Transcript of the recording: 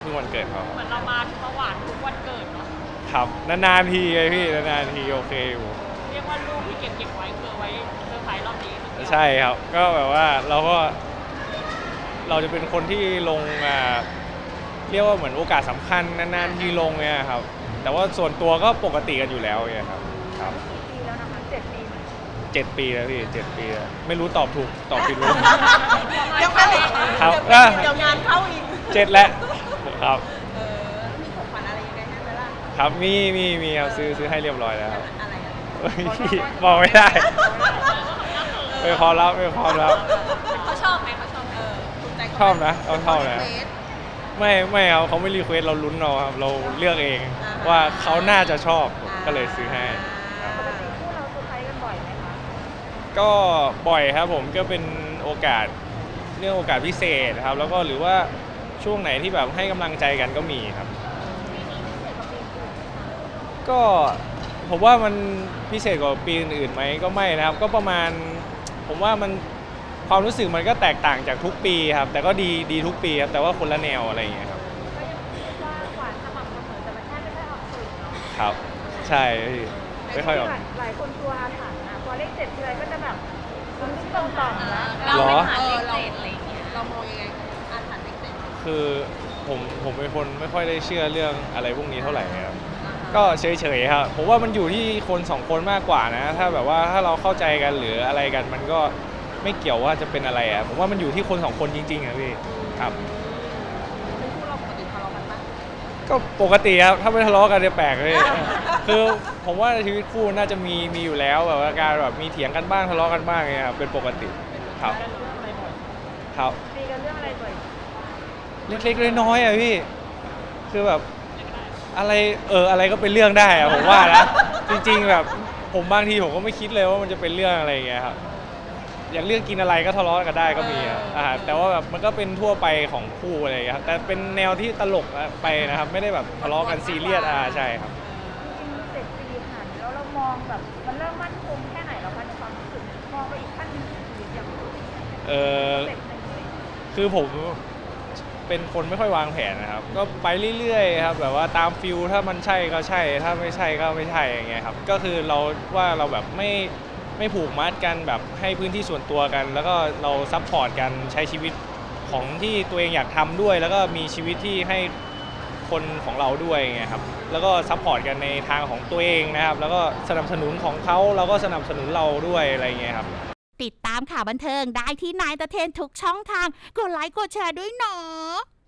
งวันเกิดเขาเหมือนเรามาหวานทุกวันเกิดเนาะครับนานๆทีไงพี่นานๆทีโอเคอยู่เรียกว่ารูปที่เก็บไว้เพื่อไว้เซอร์ไพรส์รอบนี้ใช่ครับก็แบบว่าเราจะเป็นคนที่ลงเรียกว่าเหมือนโอกาสสำคัญนานๆทีลงเนี่ยครับแต่ว่าส่วนตัวก็ปกติกันอยู่แล้วเนี่ยครับปีแล้วนะคะ7 ปี 7 ปีแล้วพี่7 ปีแล้วไม่รู้ตอบถูกตอบผิดรู้ยังไม่ครับเดี๋ยวงานเข้าอีก 7แล้วครับมีของขวัญอะไรยังไงให้ไหมล่ะครับมีครับซื้อให้เรียบร้อยแล้วอะไรบอกไม่ได้ไม่พอแล้วเขาชอบไหมถูกใจชอบนะเขาชอบนะไม่ครับเขาไม่รีเควสเราลุ้นเราครับเราเลือกเองว่าเขาน่าจะชอบก็เลยซื้อให้ปกติคู่เราเซอร์ไพรส์กันบ่อยไหมคะก็บ่อยครับผมก็เป็นโอกาสเรื่องโอกาสพิเศษครับแล้วก็หรือว่าช่วงไหนที่แบบให้กำลังใจกันก็มีครับก็ผมว่ามันพิเศษกว่าปีอื่นๆไหมก็ไม่นะครับก็ประมาณผมว่ามันความรู้สึกมันก็แตกต่างจากทุกปีครับแต่ก็ดีทุกปีครับแต่ว่าคนละแนวอะไรอย่างเงี้ยครับก็ยังคิดว่าหวานสม่ำเสมอแต่มันแค่ไม่ค่อยออกสื่อเนาะครับใช่ไม่ค่อยออกหลายคนกลัวอาถรรพ์นะพอเลข7ทีไรก็จะแบบมันตรงต่อแล้วเราไม่ผ่านเลข7อะไรอย่างเงี้ยเรามองยังไงอาถรรพ์เลข7 คือผมเป็นคนไม่ค่อยได้เชื่อเรื่องอะไรพวกนี้เท่าไหร่ครับก็เฉยๆครับผมว่ามันอยู่ที่คน2 คนมากกว่านะถ้าแบบว่าถ้าเราเข้าใจกันหรืออะไรกันมันก็ไม่เกี่ยวว่าจะเป็นอะไรผมว่ามันอยู่ที่คน2 คนจริงๆครับพี่ครับเป็นคู่เราปกติทะเลาะกันปะก็ปกติครับถ้าไม่ทะเลาะกันจะแปลกเลยคือผมว่าชีวิตคู่น่าจะมีอยู่แล้วแบบว่าการแบบมีเถียงกันบ้างทะเลาะกันบ้างเนี่ยครับเป็นปกติครับครับตีกันเรื่องอะไรบ่อยเล็กๆน้อยๆพี่คือแบบอะไรก็เป็นเรื่องได้ผมว่านะจริงๆแบบผมบางทีผมก็ไม่คิดเลยว่ามันจะเป็นเรื่องอะไรอย่างเงี้ยครับอย่างเรื่องกินอะไรก็ทะเลาะกันได้ก็มีแต่ว่าแบบมันก็เป็นทั่วไปของคู่อะไรอย่างเงี้ยครับแต่เป็นแนวที่ตลกไปนะครับไม่ได้แบบทะเลาะกันซีเรียสใช่ครับจริงๆ7 ปีผ่านแล้วเรามองแบบมันเริ่มมั่นคงแค่ไหนแล้วคะในความรู้สึกมองไปอีกขั้นหนึ่งอย่างคือผมเป็นคนไม่ค่อยวางแผนนะครับก็ไปเรื่อยๆครับแบบว่าตามฟิลถ้ามันใช่ก็ใช่ถ้าไม่ใช่ก็ไม่ใช่อย่างเงี้ยครับก็คือเราแบบไม่ผูกมัดกันแบบให้พื้นที่ส่วนตัวกันแล้วก็เราซัพพอร์ตกันใช้ชีวิตของที่ตัวเองอยากทำด้วยแล้วก็มีชีวิตที่ให้คนของเราด้วยไงครับแล้วก็ซัพพอร์ตกันในทางของตัวเองนะครับแล้วก็สนับสนุนของเขาเราก็สนับสนุนเราด้วยอะไรเงี้ยครับติดตามข่าวบันเทิงได้ที่นายตะเทนทุกช่องทางกดไลค์กดแชร์ด้วยเนาะ